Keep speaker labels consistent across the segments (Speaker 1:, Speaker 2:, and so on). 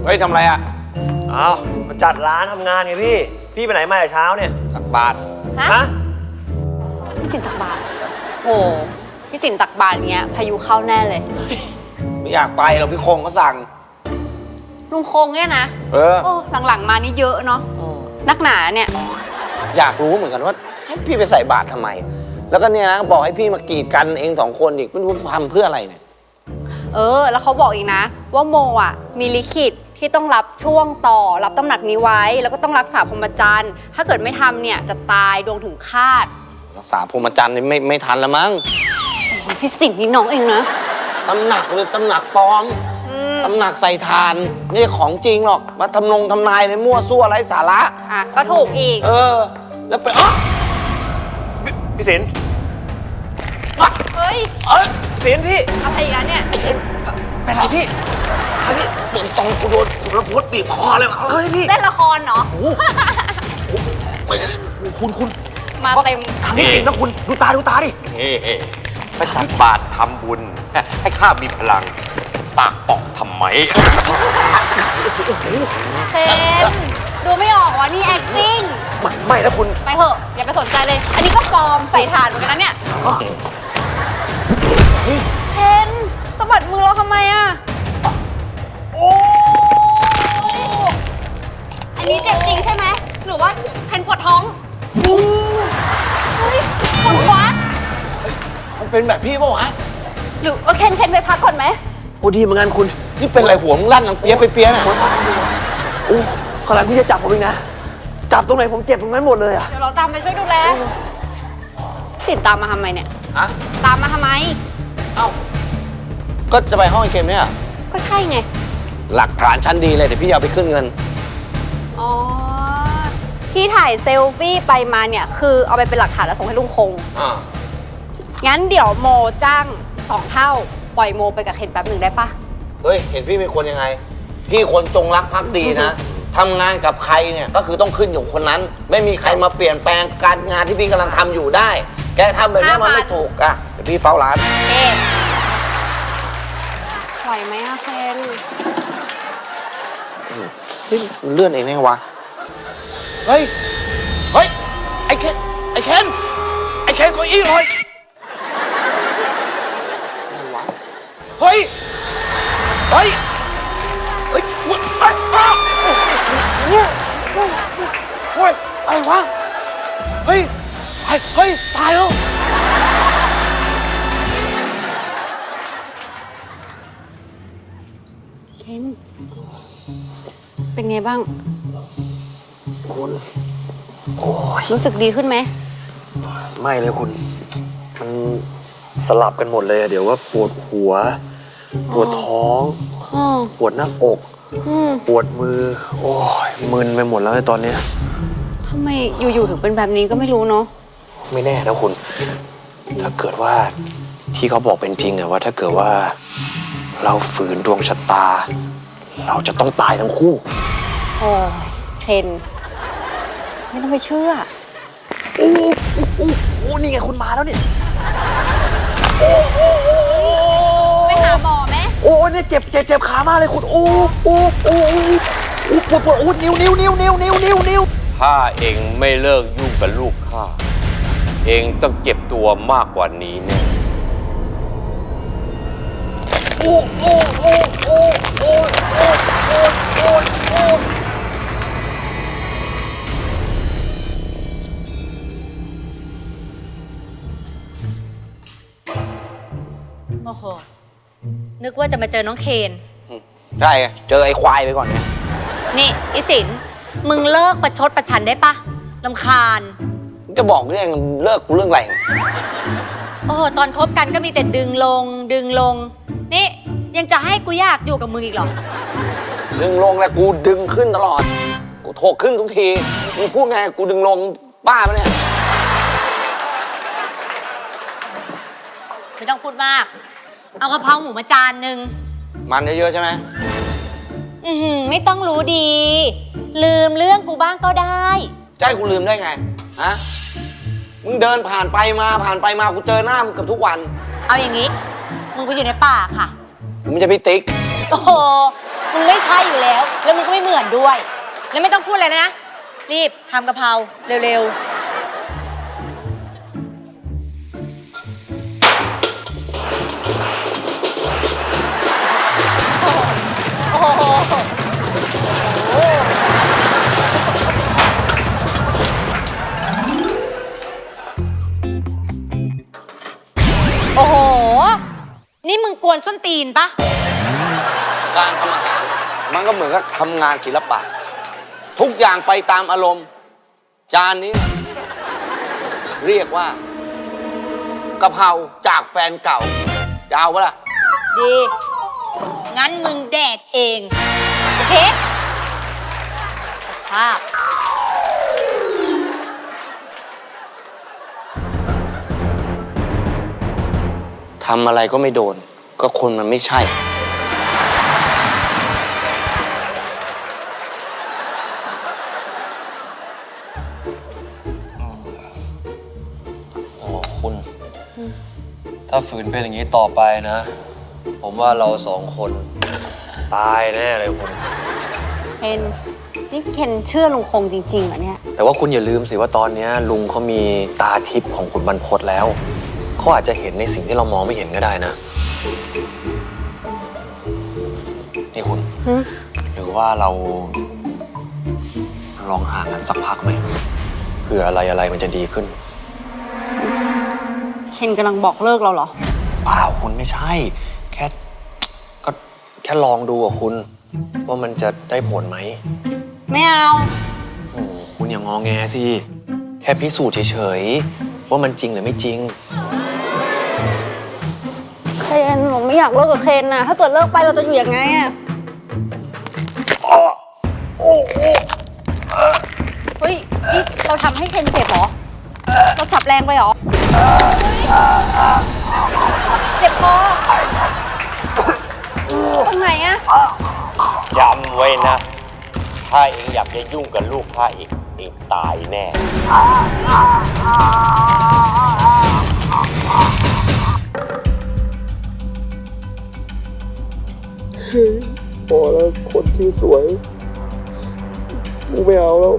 Speaker 1: เฮ้ยทำอะไรอ่ะ
Speaker 2: อ้าวมาจัดร้านทำงานไงพี่ พี่ไปไหนมาแต่เช้าเนี่ย
Speaker 1: ตักบาตร
Speaker 3: ฮะพี่สินตักบาตรโหพี่สินตักบาตรเงี้ยพายุเข้าแน่เลย
Speaker 1: ไม่อยากไปหรอกพี่คงก็สั่ง
Speaker 3: ลุงคงเนี่ยนะ
Speaker 1: โอ้
Speaker 3: หลังๆมานี่เยอะเนาะนักหนาเนี่ย
Speaker 1: อยากรู้เหมือนกันว่าให้พี่ไปใส่บาตรทำไมแล้วก็เนี่ยนะบอกให้พี่มากีดกันเอง2 คนอีกไม่รู้ทำเพื่ออะไรเนี่ย
Speaker 3: แล้วเขาบอกอีกนะว่าโมอ่ะมีลิขิตที่ต้องรับช่วงต่อรับตำหนักนี้ไว้แล้วก็ต้องรักษาพรหมจรรย์ถ้าเกิดไม่ทำเนี่ยจะตายดวงถึงคาด
Speaker 1: รักษาพรหมจรรย์นี่ไม่ทันละมั้ง
Speaker 3: พี่สิงห์นี่น้องเองนะ
Speaker 1: ตำหนักเลยตำหนักปลอมตำหนักใส่ทานไม่ใช่ของจริงหรอกมาทำนายในมั่วซั่วไร้สาระ
Speaker 3: ก็ถูกอีก
Speaker 1: แล้วไป
Speaker 2: พี่ศิลป์
Speaker 3: เฮ้ย
Speaker 2: ศิลป์พี่
Speaker 3: อะไรอีกแล้วเนี่ย
Speaker 1: เป็นไรพี่ตรงกูโดนระพุดบีบคอเลยเฮ้ยพี่
Speaker 3: เล่นละครเนาะ
Speaker 1: คุณ
Speaker 3: มาเต็ม
Speaker 2: ทำจริงนะคุณดูตาดิ
Speaker 4: ไปตักบาตรทำบุญให้ข้ามีพลังปากปอกทำไม
Speaker 3: เคนดูไม่ออกว่านี่ acting
Speaker 2: ไม่นะคุณ
Speaker 3: ไปเถอะอย่าไปสนใจเลยอันนี้ก็ปลอมใส่ถ่านเหมือนกันนะเนี่ยเคนสะบัดมือเราทำไมอ่ะอันนี้เจ็บจริงใช่ไหมหรือว่าเคนปวดท้องเฮ้ยปวดหัว
Speaker 1: มันเป็นแบบพี่ป่าวะ
Speaker 3: หรือว่าเคนไปพักก่อนไหม
Speaker 1: กูดีเหมือนกันคุณนี่เป็นไรหัวมึงลั่นนังเปียน่ะ
Speaker 2: ขนาดพี่จะจับผมเองนะจับตรงไหนผมเจ็บตรงนั้นหมดเลยอ่ะ
Speaker 3: เดี๋ยวเราตามไปช่วยดูแลสินตามมาทำไมเนี่ยตามมาทำไม
Speaker 1: ก็จะไปห้องไอ้เค็มเนี่ย
Speaker 3: ก็ใช่ไง
Speaker 1: หลักฐานชั้นดีเลยเดี๋ยวพี่เอาไปขึ้นเงิน
Speaker 3: ที่ถ่ายเซลฟี่ไปมาเนี่ยคือเอาไปเป็นหลักฐานแล้วส่งให้ลุงคงงั้นเดี๋ยวโมจ้าง2 เท่าปล่อยโมไปกับเคนแป๊บหนึ่งได้ปะ
Speaker 1: เฮ้ยเห็นพี่เป็นคนยังไงพี่คนจงรักภักดีนะทำงานกับใครเนี่ยก็คือต้องขึ้นอยู่คนนั้นไม่มีใครมาเปลี่ยนแปลงการงานที่พี่กำลังทำอยู่ได้แกทำแบบนี้มันไม่ถูกอ่ะเดี๋ยวพี่เฝ้าร้าน
Speaker 3: ไหวไหมอะเคน
Speaker 1: มันเลื่อนเองไงวะเฮ้ยไอ้เคนก็อี้เลยเฮ้ยอะไรวะเฮ้ยตายแล้ว
Speaker 3: เคนเป็นไงบ้าง
Speaker 1: คุณ
Speaker 3: รู้สึกดีขึ้นไหม
Speaker 2: ไม่เลยคุณมันสลับกันหมดเลยเดี๋ยวว่าปวดหัวปวดท้องปวดหน้าอกปวดมือโอ้ยมึนไปหมดแล้วตอนนี้
Speaker 3: ทำไมอยู่ๆถึงเป็นแบบนี้ก็ไม่รู้เนาะ
Speaker 2: ไม่แน่นะคุณถ้าเกิดว่าที่เขาบอกเป็นจริงอะว่าถ้าเกิดว่าเราฝืนดวงชะตาเราจะต้องตายทั้งคู่
Speaker 3: โอ้ยเคนไม่ต้องไปเชื่อ
Speaker 2: โอ้นี่ไงคุณมาแล้วเนี่ย
Speaker 3: ไปหาหมอไหม
Speaker 2: โอ้เนี่ยเจ็บขามากเลยคุณปวดนิ้ว
Speaker 4: ถ้าเองไม่เลิกยุ่งกับลูกข้าเองต้องเจ็บตัวมากกว่านี้แน่
Speaker 3: โอ้โหนึกว่าจะมาเจอน้องเคน
Speaker 1: ใช่เจอไอ้ควายไปก่อนเนี่ย
Speaker 3: นี่ไอ้สินมึงเลิกประชดประชันได้ปะรำคาญ
Speaker 1: จะบอกเรื่องเลิกกูเรื่องอะไร
Speaker 3: ตอนคบกันก็มีแต่ดึงลงนี่ยังจะให้กูอยากอยู่กับมึงอีกเหรอ
Speaker 1: ดึงลงแล้วกูดึงขึ้นตลอดกูโถกขึ้นทุกทีมึงพูดไงกูดึงลงบ้าปะเนี่ย
Speaker 3: ไม่ต้องพูดมากเอากะเพราหมูมาจานนึง
Speaker 1: มันเยอะๆใช่ไหม
Speaker 3: ไม่ต้องรู้ดีลืมเรื่องกูบ้างก็ได้
Speaker 1: จะให้กูลืมได้ไงฮะมึงเดินผ่านไปมากูเจอหน้ามึงเกือบทุกวัน
Speaker 3: เอาอย่างนี้มึงไปอยู่ในป่าค่ะ
Speaker 1: มึงจะไปติ๊ก
Speaker 3: โอ้โห
Speaker 5: มึงไม่ใช่อยู่แล้ว แล้วมึงก็ไม่เหมือนด้วย แล้วไม่ต้องพูดอะไรนะ รีบทำกะเพราเร็วๆ โอ้โห โอ้โห นี่มึงกวนส้นตีนปะ
Speaker 1: การทำอาหารมันก็เหมือนกับทำงานศิลปะ ทุกอย่างไปตามอารมณ์ จานนี้ เรียกว่ากะเพราจากแฟนเก่าจะเอาปะล่ะ
Speaker 5: ดี งั้นมึงแดกเอง โอเคสภาพ
Speaker 1: ทำอะไรก็ไม่โดน ก็คนมันไม่ใช่
Speaker 2: โอ้คุณ ถ้าฝืนเป็นอย่างนี้ต่อไปนะ ผมว่าเราสองคนตายแน่เลยคุณ
Speaker 3: เคนนี่เคนเชื่อลุงคงจริงๆเหรอเนี่ย
Speaker 2: แต่ว่าคุณอย่าลืมสิว่าตอนนี้ลุงเขามีตาทิพย์ของขุนบรรพตแล้ว เขาอาจจะเห็นในสิ่งที่เรามองไม่เห็นก็ได้นะ นี่คุณ หรือว่าเราลองห่างกันสักพักไหมเผื่ออะไรมันจะดีขึ้น
Speaker 3: เคนกำลังบอกเลิกเราเหรอ
Speaker 2: เปล่าคุณไม่ใช่ ก็แค่ลองดูอะคุณ ว่ามันจะได้ผลไหม
Speaker 3: ไม่เอา
Speaker 2: โอ้โหคุณอย่างงอแงสิ แค่พิสูจน์เฉยๆว่ามันจริงหรือไม่จริง
Speaker 3: เคนหนูไม่อยากเลิกกับเคนนะถ้าเกิดเลิกไปเราจะอยู่ยังไงอะเฮ้ยนี่เราทำให้เคนเจ็บเหรอ เราจับแรงไปเหรอ เจ็บคอตรงไหนอะ
Speaker 4: จำไว้นะ ถ้าเองอยากจะยุ่งกับลูกข้าอีกเองตายแน่
Speaker 2: พอแล้วคนชื่อสวยกูไม่เอาแล้ว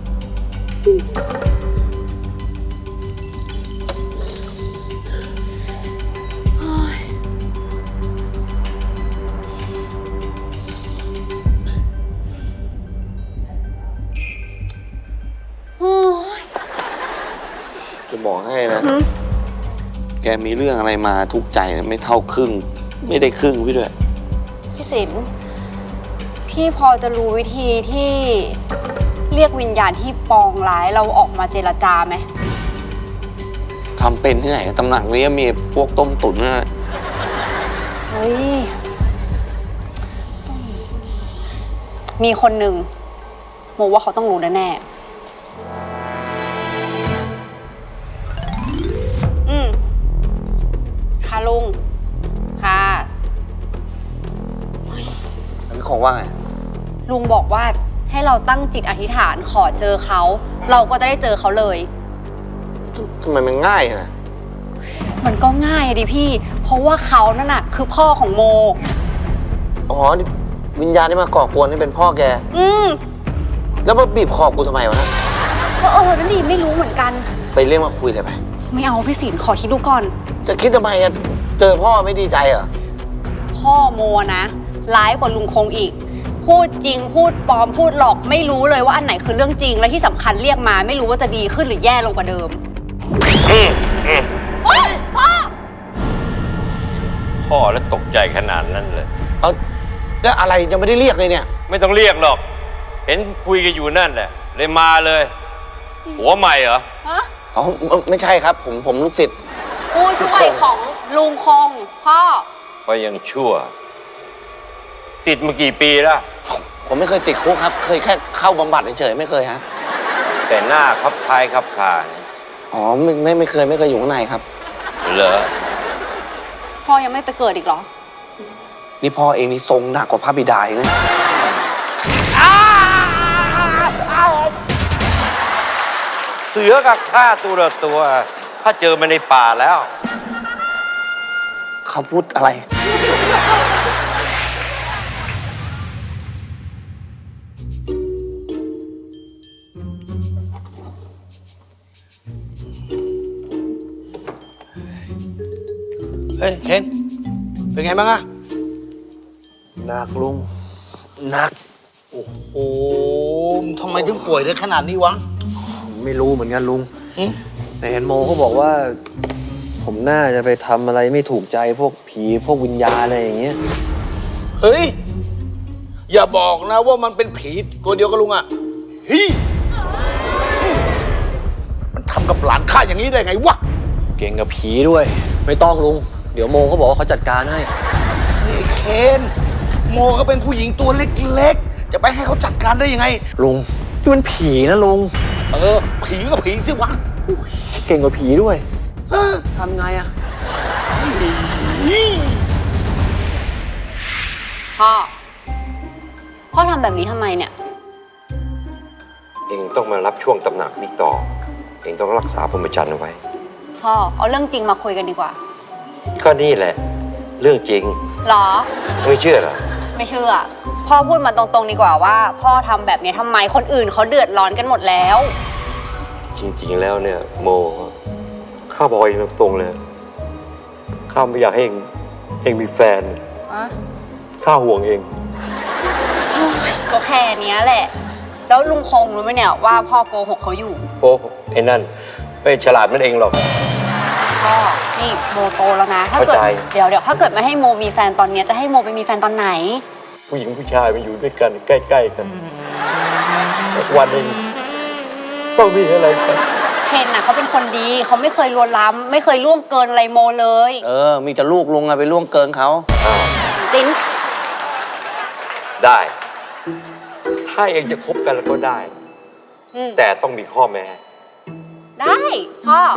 Speaker 1: จะบอกให้นะ แกมีเรื่องอะไรมาทุกข์ใจนะไม่เท่าครึ่ง ไม่ได้ครึ่งพี่ด้วย
Speaker 3: พี่สินพี่พอจะรู้วิธีที่เรียกวิญญาณที่ปองร้ายเราออกมาเจรจาไหม
Speaker 1: ทำเป็นที่ไหนตำหนักนี้มีพวกต้มตุ๋นนะ
Speaker 3: เฮ้ย มีคนหนึ่งโมว่าเขาต้องรู้แน่ๆค่ะลุง ค่ะ
Speaker 1: อันนี้ของว่าไง
Speaker 3: ลุงบอกว่าให้เราตั้งจิตอธิษฐานขอเจอเขา เราก็จะได้เจอเขาเลย
Speaker 1: ทำไมมันง่ายอะนะ
Speaker 3: มันก็ง่ายอะดิพี่ เพราะว่าเขานั่นน่ะคือพ่อของโม
Speaker 1: อ๋อนี่วิญญาณที่มาก่อกวนนี่เป็นพ่อแก แล้วมาบีบคอกูทำไมวะนะ
Speaker 3: ก็นั่นดิไม่รู้เหมือนกัน
Speaker 1: ไปเรียกมาคุยเลยไป
Speaker 3: ไม่เอาพี่ศิลป์ขอคิดดูก่อน
Speaker 1: จะคิดทำไมอะเจอพ่อไม่ดีใจเหรอ
Speaker 3: พ่อโมนะร้ายกว่าลุงคงอีก พูดจริงพูดปลอมพูดหลอกไม่รู้เลยว่าอันไหนคือเรื่องจริงและที่สำคัญเรียกมาไม่รู้ว่าจะดีขึ้นหรือแย่ลงกว่าเดิมโอ๊ยพ่อ
Speaker 4: พ่อแล้วตกใจขนาดนั้นเลย
Speaker 1: เอาแล้วอะไรยังไม่ได้เรียกเลยเนี่ย
Speaker 4: ไม่ต้องเรียกหรอก เห็นคุยกันอยู่นั่นแหละ เลยมาเลย หัวใหม่เหรอ
Speaker 1: อ๋อไม่ใช่ครับ ผมลูกศิษย์
Speaker 3: ผู้ช่วยของลุงคงพ่อ
Speaker 4: ก็ยังชั่ว ติดมากี่ปีแล้ว
Speaker 1: ผมไม่เคยติดคุกครับ เคยแค่เข้าบำบัดเฉยๆไม่เคยฮะ
Speaker 4: แต่หน้าคับคล้ายคับคา
Speaker 1: อ๋อไม่เคยอยู่ข้างในครับ
Speaker 4: เหรอ
Speaker 3: พ่อยังไม่ไปเกิดอีกเหรอ
Speaker 1: นี่พ่อเองนี่ทรงหนักกว่าพระบิดาอีกนะ
Speaker 4: เสือกับข้าตัวละตัว ถ้าเจอมันในป่าแล้ว
Speaker 1: เขาพูดอะไร
Speaker 6: เฮ้ยเคนเป็นไงบ้างอะ
Speaker 2: หนักลุงหนัก
Speaker 6: โอ้โหทำไมถึงป่วยได้ขนาดนี้วะ
Speaker 2: ไม่รู้เหมือนกันลุง
Speaker 6: หึ
Speaker 2: แต่เห็นโมเขาบอกว่า ผมน่าจะไปทำอะไรไม่ถูกใจพวกผีพวกวิญญาณอะไรอย่างเงี้ย
Speaker 6: เฮ้ย อย่าบอกนะว่ามันเป็นผีตัวเดียวกับลุงอะเฮ้ยมันทำกับหลานข้าอย่างนี้ได้ไงวะ
Speaker 2: เก่งกับผีด้วย ไม่ต้องลุง เดี๋ยวโมเขาบอกว่าเขาจัดการให้
Speaker 6: ไอ้เคนโมก็เป็นผู้หญิงตัวเล็กๆ จะไปให้เขาจัดการได้ยังไง
Speaker 2: ลุงนี่มันผีนะลุง
Speaker 6: ผีก็ผีสิวะ
Speaker 2: เก่งกว่าผีด้วย
Speaker 6: เออ
Speaker 2: ทำไงอะ
Speaker 3: พ่อทำแบบนี้ทำไมเนี่ย
Speaker 4: เองต้องมารับช่วงตำหนักนี้ต่อ เองต้องรักษาพรหมจรรย์เอาไว้
Speaker 3: พ่อเอาเรื่องจริงมาคุยกันดีกว่า
Speaker 4: ก็นี่แหละ เรื่องจริง
Speaker 3: หรอ
Speaker 4: ไม่เชื่อเหรอ
Speaker 3: ไม่เชื่อ พ่อพูดมาตรงๆดีกว่าว่า พ่อทำแบบนี้ทำไมคนอื่นเขาเดือดร้อนกันหมดแล้ว
Speaker 4: จริงๆแล้วเนี่ยโมข้าบอกเองตรงๆเลยข้าไม่อยากให้เองมีแฟน
Speaker 3: อะ
Speaker 4: ข้าห่วงเอง
Speaker 3: ก็แค่เนี้ยแหละ แล้วลุงคงรู้ไหมเนี่ยว่าพ่อโกหกเขาอยู่
Speaker 4: โอ้ไอ้นั่นไม่ฉลาดมันเองหรอก
Speaker 3: พ่อ นี่โมโตแล้วนะ ถ้าเกิด
Speaker 4: เข้าใจ
Speaker 3: เดี๋ยวถ้าเกิดไม่ให้โมมีแฟนตอนเนี้ยจะให้โมไปมีแฟนตอนไหน
Speaker 4: ผู้หญิงผู้ชายมันอยู่ด้วยกันใกล้ๆกันสักวันหนึ่งต้องมีอะไรกัน
Speaker 3: เคนน่ะเขาเป็นคนดีเขาไม่เคยลวนลามไม่เคยล่วงเกินอะไรโมเลย
Speaker 1: มีแต่ลูกลุงอะไปล่วงเกินเขา
Speaker 4: อ้าว
Speaker 3: จริง
Speaker 4: ได้ ถ้าเองจะคบกันแล้วก็ได้
Speaker 3: อืม
Speaker 4: แต่ต้องมีข้อแม้
Speaker 3: ได้พ่อก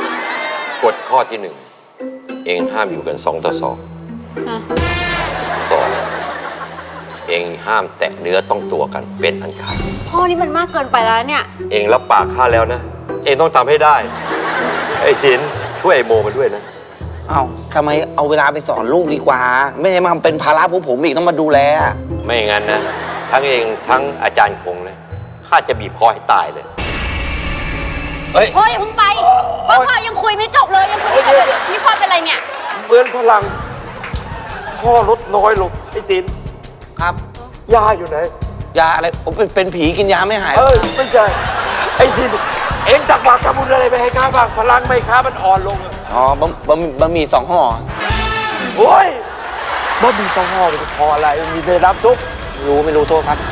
Speaker 4: ฎข้อที่หนึ่งเองห้ามอยู่กัน2 ต่อ
Speaker 3: อ่ะ
Speaker 4: 2 เองห้ามแตะเนื้อต้องตัวกันเป็นอันขาด
Speaker 3: พ่อนี่มันมากเกินไปแล้วเนี่ย
Speaker 4: เองรับปากข้าแล้วนะ เองต้องทำให้ได้ ไอ้ศิลป์ช่วยไอ้โมมาด้วยนะ
Speaker 1: เอาทำไมเอาเวลาไปสอนลูกดีกว่า ไม่ได้มาเป็นภาระพวกผมอีกต้องมาดูแล
Speaker 4: ไม่อย่างนั้นนะ ทั้งเองทั้งอาจารย์คงเลยข้าจะบีบคอให้ตายเลย
Speaker 3: พ่ออย่าเพิ่งไปพ่อยังคุยไม่จบเลยยังคุยไม่จบเลยนี่พ่อเป็นอะไรเนี่ย
Speaker 4: เบือนพลัง พ่อลดน้อยลงไอ้ศิลป์
Speaker 1: ครับ
Speaker 4: ยาอยู่ไหน
Speaker 1: ยาอะไรผมเป็นผีกินยาไม่หายหร
Speaker 4: เอ้
Speaker 1: อก
Speaker 4: ยไม่ใช่ ไอ้ศิลป์เองตักบาตรทำบุญอะไรไปให้ข้าบ้างพลังไม่ข้ามันอ่อนลงอะ
Speaker 1: อ๋อบะหมี่2 ห่อ
Speaker 4: โอ้ยบ้ามีสองห่อมันจะพออะไรมันมีแต่น้ำซุป
Speaker 1: ไม่รู้โทษครับ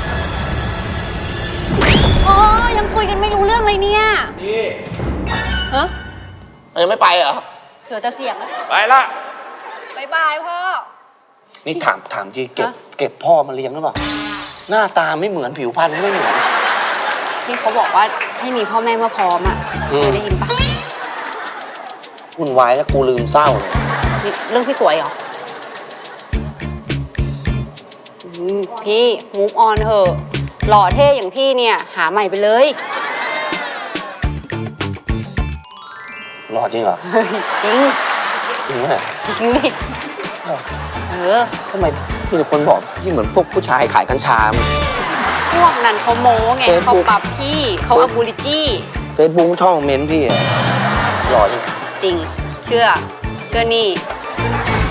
Speaker 3: พ่อยังคุยกันไม่รู้เรื่องเลยเนี่ย
Speaker 4: นี่
Speaker 3: ฮะ
Speaker 1: ยังไม่ไปเหรอ
Speaker 3: เดี๋ยวจะเสียง
Speaker 4: ไปละ
Speaker 3: บายบายพ่อ
Speaker 1: นี่ถามจีเก็บ
Speaker 3: ฮะ
Speaker 1: เก็บพ่อมาเลี้ยงหรือเปล่า หน้าตาไม่เหมือนผิวพรรณไม่เหมือน
Speaker 3: ที่เขาบอกว่าให้มีพ่อแม่เมื่อพร้อมอ่ะ
Speaker 1: อืม
Speaker 3: เคยได้ยินปะ
Speaker 1: วุ่นวายแล้วกูลืมเศร้าเลย
Speaker 3: นี่เรื่องพี่สวยเหรอพี่มูฟออนเถอะหล่อเท่อย่างพี่เนี่ย หาใหม่ไปเลย
Speaker 1: รอดจริงเหรอ
Speaker 3: จริง
Speaker 1: จริงไหม
Speaker 3: จริงดิเออ
Speaker 1: ทำไมที่คนบอกพี่เหมือนพวกผู้ชายขายกัญชา
Speaker 3: พวกนั้นเขาโม้ไง
Speaker 1: Facebook
Speaker 3: เขาปรับพี่เขาอับูลิจี้
Speaker 1: เฟซบุ๊กช่องเมนต์พี่อะหล่อจริง
Speaker 3: จริง เชื่อนี่